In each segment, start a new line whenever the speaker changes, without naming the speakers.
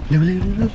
เร็วเร็วเร็ว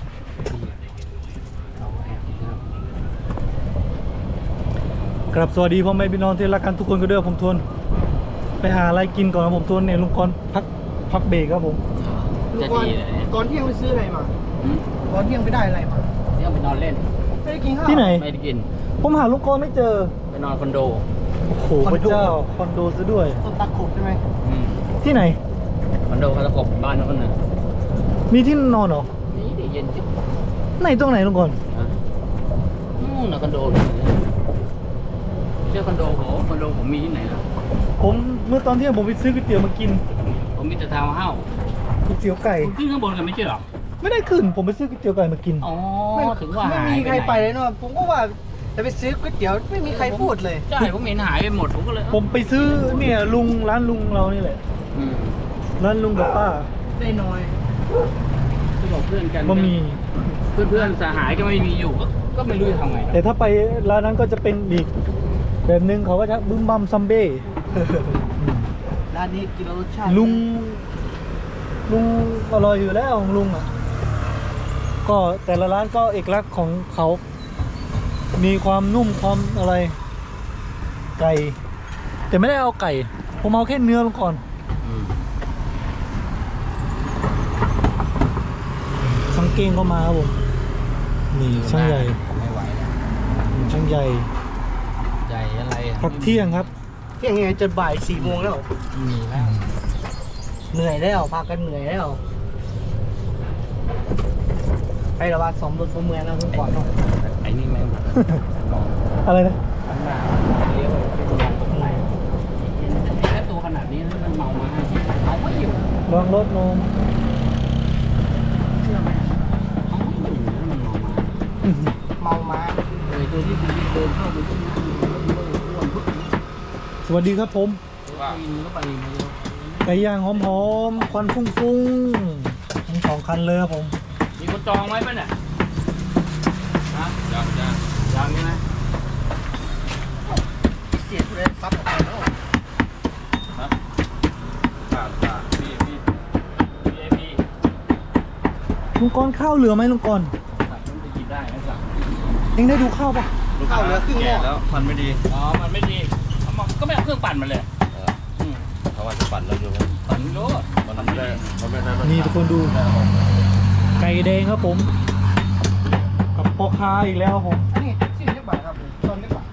ครับสวัสดีพ่อแม่พี่น้องที่รักกันทุกคนก็เด้อผมทวนไปหาอะไรกินก่อนนะผมทวนเนี่ยลุงกรพักเบรกครับผม
จะดีเลย
ก่อนเที่ยงไปซื้ออะไรมาก่อนเที่ยงไปได้อะไรมา
เที่ยงไปนอนเล่น
ไม่ได้กินข้าว
ที่ไหน
ไม่ได้กิน
ผมหาลุงกรไม่เจอ
ไปนอนคอนโด
โอ้โหพระเจ้าคอนโดซะด้วย
ต้นตะขบใช่ไหม
ที่ไหน
คอนโดเขาตะขบบ้านนู้นน่ะ
มีที่นอนเหรอ
นี่ดิเย็นจิ๊บ
ไหนตรงไหนลุงกร
นู่นนะคอนโดไม่ใช่คอนโดผมมีที่ไหนล่ะ
ผมเมื่อตอนเที่ยงผมไปซื้อก๋วยเตี๋ยวมากิน
ผมมีแต่ทาวน์เฮ้าส์
ก๋วยเตี๋ยวไก่
คุณขึ้นข้างบนกันไม่ใช่หรอ
ไม่ได้ขึ้นผมไปซื้อก๋วยเตี๋ยวไก่มากิน
อ๋อ
ไม่
ถึงว่า
ไม่
หาย
มีใครไปเลยเนาะผมก็ว่าจะไปซื้อก๋วยเตี๋ยวไม่มีใครพูดเลย
ใช่ผมเห็นหายไปหมดผมก็เลย
ผมไปซื้อเนี่ยร้านลุงเรานี่แหละ
อืม
ร้านลุงกับป้า
ได้น้อย
ที่บอกเพื่อนกัน
บะหมี่
เพื่อนสหายก็ไม่มีอยู่ก็ไม่รู้จะทำไง
แต่ถ้าไปร้านนั้นก็จะเป็นอีกแบบนึงเขาก็จะบึ้มบัมซัมเบ้
ร้านนี้กินแล้วรสชาติ
ลุงอร่อยอยู่แล้วของลุงอ่ะก็แต่ละร้านก็เอกลักษณ์ของเขา มีความนุ่มความอะไร ไก่แต่ไม่ได้เอาไก่ ผมเอาแค่เนื้อลงก่อน
อืม
ช่างเก้งก็มาครับผมนี่ช่างใหญ่
ไม่ไหวแล้ว
ช่างใหญ่
ใหญ่อะไรอะ
พักเที่ยงครับ
เที่ยงไงจะบ่าย4 โมงแล้ว
มีแล้ว
เหนื่อยแล้วพากันเหนื่อยแล้วไประบาดสมรถบนเมืองนะคุณก่อนเนาะ
ไอ้นี่แม่งมอง
อะไรนะ
ข้างหน้าเลี้ยวไปมองตรงไหนแค่ตัวขนาดนี้มันเมามาเอาไม่อยู่
ลองรถนม
เชื่อไหมเอาไม่อยู่แล้วมันเมามา
เมามา
เลยตัวที่คุณเดินเข้าไปที่นี่อ้วนปุ๊บ
สวัสดีครับผม
กินก็ไปมาเยอะ
ไก่ย่างหอมๆควันฟุ้งๆทั้ง2 คันเลยครับผม
มีคนจองไว้ป่ะเนี่ยฮะยังใช่ไหม
เสียทุเรศซับออกไปแล้ว
VIP
ลุงกรข้าวเหลือไหมลุงกร
สั่งมันไปกินได้นะสั่ง
เองได้ดูข้าวปะ
ข้าวเหลือครึ่งหม้อ
แล้วมันไม่ดี
อ๋อมันไม่ดีเอามาก็ไม่เอาเครื่องปั่นมาเลยม
เขาว่าจะปั่นแล้วอยู่
ปั่นไม่รู้
มันไม่ได้มันไม่ได้
นี่ทุกคนดู ไก่แดงครับผม กับปอคาอีกแล้วครับผม
นี่ชื่อเรียกบ่ายครับตอนเรียกบ่าย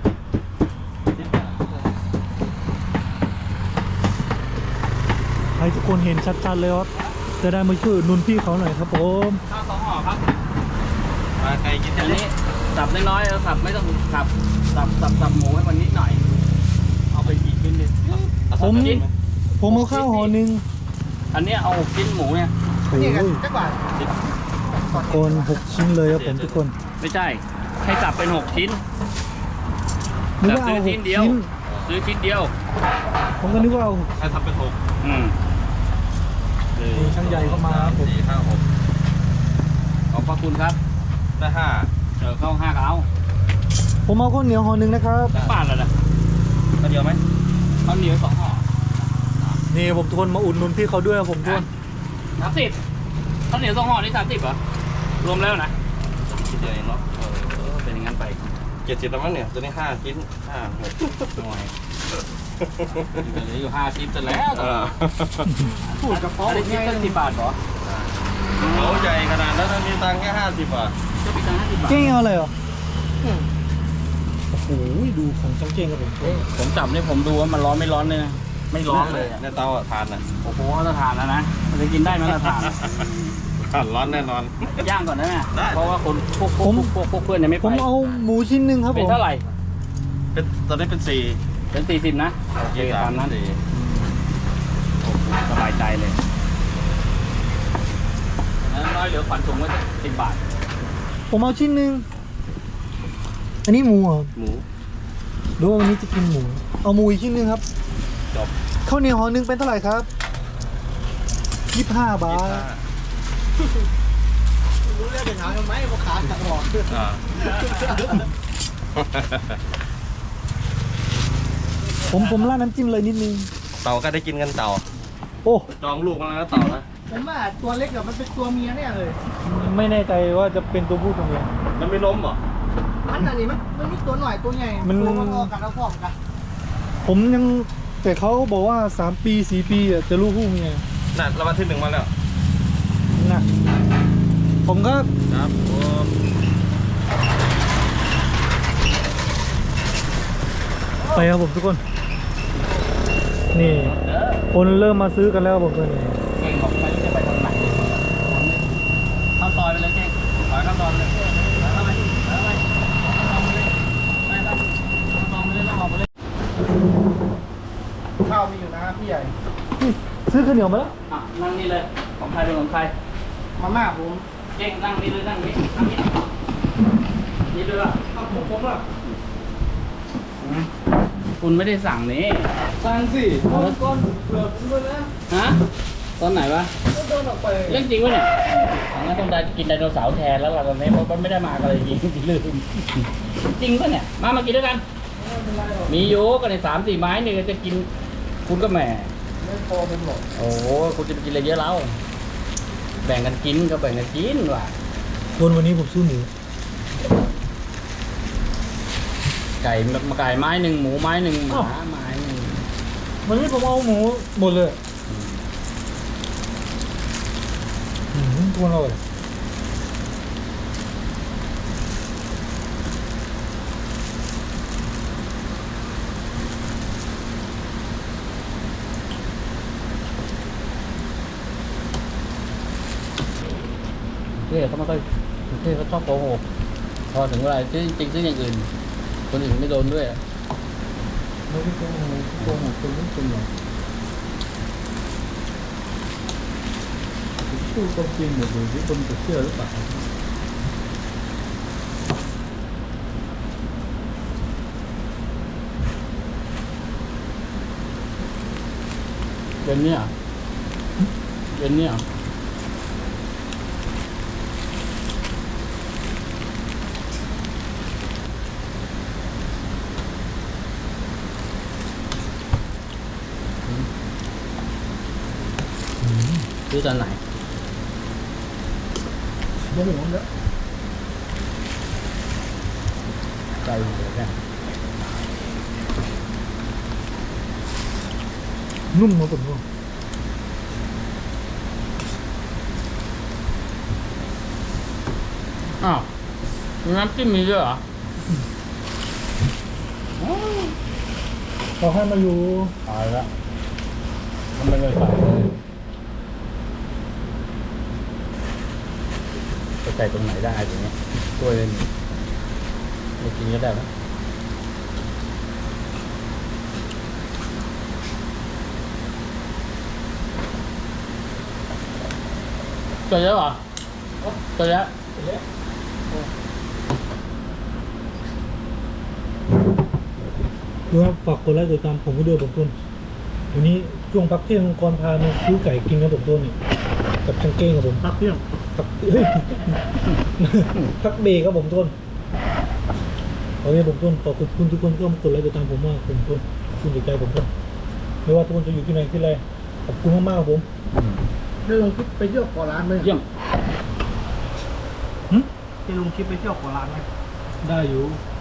ให้ทุกคนเห็นชัดๆเลยครับจะได้มาช่วยอุดหนุนพี่เขาหน่อยครับผม
ข้าว2 ห่อครับ
มาใครกิน
อันนี้สับน้อยๆสับไม่ต้องสับหมูให้มันนิดหน่อย เอาไปกี่ชิ้นดิ
ผมเอาข้าวห่อหนึ่ง
อันนี้เอา6 ชิ้นหมูเนี่ย
โอ้
นี่กัน
ย
เรียกบ่าย
คน6 ชิ้นเลยครับผมทุกคน
ไม่ใช่ ให้สับเป็น6 ชิ้น
นึกว่าเอา
ซื้อชิ้น
6
เดียว
ชิ้น
ซื้อชิ้นเดียว
ผมก็นึกว่าเอา
ให้ทำเป็น6
อืม
นี่ช่างใหญ่เข้ามาครับผม
4 5 6
ขอบพระคุณครับ
ได้5
เข้า5กเอา
ผมเอาข้าวเหนียวห่อหนึ่งนะครับ
บ้านแล้วนะ
ก็เดียวไหม
ข้าวเหนียว2 ห่อ
นี่ผมทุกคนมาอุดหนุนพี่เขาด้วยครับผมทุกคน
30ข้าวเหนียว2 ห่อนี่30เหรอรวมแล้วนะ
คิดเดียวเองเนาะ
เป็นอย่างนั้นไป
70แล้วมั้งเนี่ยตัวนี้5ชิ้น5 6
หน่อยเหลืออยู่5 ชิ้นเสร็จแล้ว
พูดกับเขา
อันนี้ชิ้นละ10 บาทเหรอ
เขาใหญ่ขนาดนั้นมีตังค์แค่50 บาท
จะมีตังค์50 บาท
เจ๊เอาอะไรเหรอโอ้โหดูของช่างเจ๊งครับผม
ผมจับนี่ผมดูว่ามันร้อนไม่ร้อนเลยนะไม่ร้อนเลยอะ
ในเตาทานอ่ะ
โอ้โหมาตรฐานแล้วนะมันจะกินได้มาตรฐาน
ร้อนแน่นอน
ย่างก่อนได้ไหม
ได้
เพราะว่าคนพวกเพื่อนยังไม่ไป
ผมเอาหมูชิ้นหนึ่งครับผ
เป็น
ม
เท่าไหร่
เป็นตอนนี้เป็น4
เป็น40นะโอเคตามนั้น
4
โอ้โหสบายใจเลยน้อยเหลือขวัญถุงไว้10 บาท
ผมเอาชิ้นหนึ่งอันนี้หมูเหรอ
หมู
หรือว่าวันนี้จะกินหมู เอาหมูอีกชิ้นหนึ่งครับ
จบ
ข้าวเหนียวห่อหนึ่งเป็นเท่าไหร่ครับ25 บาท
รู้เรื่องเป็นหาทำไมพวกขาตัดหลอด
อ่า
ผมราดน้ำจิ้มเลยนิดนึง
เต่าก็ได้กินกันเต่า
โอ้
จองลูกมาแล้วเต่านะ
ผมว่าตัวเล็กอะมันเป็นตัวเมียแน่เลย
ไม่แน่ใจว่าจะเป็นตัวผู้ตัวเมีย
มันไม่ล้มเหรอ
อันนั้นนี่มันมีตัวหน่อยตัวใหญ่
มัน
ตัวมันออกกันแล้วพร้อมกัน
ผมยังแต่เขาบอกว่า3 ปี 4 ปีอะจะรู้ผู้เมีย
น่ะรางวัลที่1มาแล้ว
นะผมก็
ครับผม
ไปครับผมทุกคน นี่ คนเริ่มมาซื้อกันแล้วครับผมตอนนี้
เก่งบอกไม่รู้จะไปทางไหนเข้าซอยไปเลยเก่งถอยเข้าซอยไปเลยเข้าไปเข้าไปเข้าไปเลยไปเข้าซอยไปเลยแล้วออกไปเลย
ข้าวมีอยู่นะพี่ใหญ่
ซื้อข้าวเหนียวมาแล้ว
อ่ะนั่งนี่เลยของใครเป็นของใคร
มาม่าผม
เก่งนั่งนี่เลยนั่งนี่นั่งนี่นี่เลยอ่ะ
เอาผมอะ
คุณไม่ได้สั่งนี่
สั่งสิก้อนเปลือกผมด้วยนะ
ฮะตอนไหนวะ
ก็โดนออกไป
เรื่องจริงวะเนี่ยงั้นต้องได้กินไดโนเสาร์แทนแล้วล่ะตอนนี้เพราะมันไม่ได้มากันเลยจริงลืมจริงปะเนี่ยมากินด้วยกัน มีโยกันใน3-4 ไม้เนี่ยจะกินคุณก็แหม
ไม่พอเป็นหรอก
โอ้โหคุณจะไปกินอะไรเยอะแล้วแบ่งกันกินก็แบ่งกันกินว่ะ
คนวันนี้ผมซื้อหมู
ไก่มาไก่ไม้หนึ่งหมูไม้หนึ่งหมาไม้หนึ่ง
วันนี้ผมเอาหมูหมดเลยทุกคนอร่อย
เท่เขาไม่ค่อยเท่เขาชอบโกหกพอถึงเวลาซื้อจริงซื้ออย่างอื่น คนอื่นไม่โดนด้วย
ไม่ได้โกหกคนไม่จริงหรอก
พูดความจริงหมดเลยที่คนจะเชื่อหรือเปล่า
เย็นเนี่ยเย็นเนี่ยซื้อตอนไหน
ยังหมูแล้ว
ใจเย็นแค่
นุ่มมาผมว่า
อ้าวน้ำจิ้มมีด้วยเหรอ
เขาให้มาอยู่
ตายแล้วทำไมไม่ใส่เลยจะใส่ตรงไหนได้อย่างเงี้ยตัวเลยไม่กินก็ได้ไหมเจอแล้วเหรอเจอแล้ว
ดูครับฝากกดไลค์กดติดตามผมก็ด้วยผมต้นวันนี้ช่วงพักเที่ยงก่อนพามาซื้อไก่กินครับผมต้นนี่กับชังเก้งครับผม
พักเที่ยง
พักเฮ้ย พักเบรกครับผมต้นโอเคผมต้นขอบคุณทุกคนที่เข้ามากดไลค์กดติดตามผมมากผมต้นคุณใจผมต้นไม่ว่าทุกคนจะอยู่ที่ไหนที่ไรขอบคุณมากๆครับผม
ได้ลงคลิปไปเที่ยวก่อร้านไหม
เยี่ยม
หึ
ได้ลงคลิปไปเที่ยวก่อร้านไหม
ได้อยู่
เ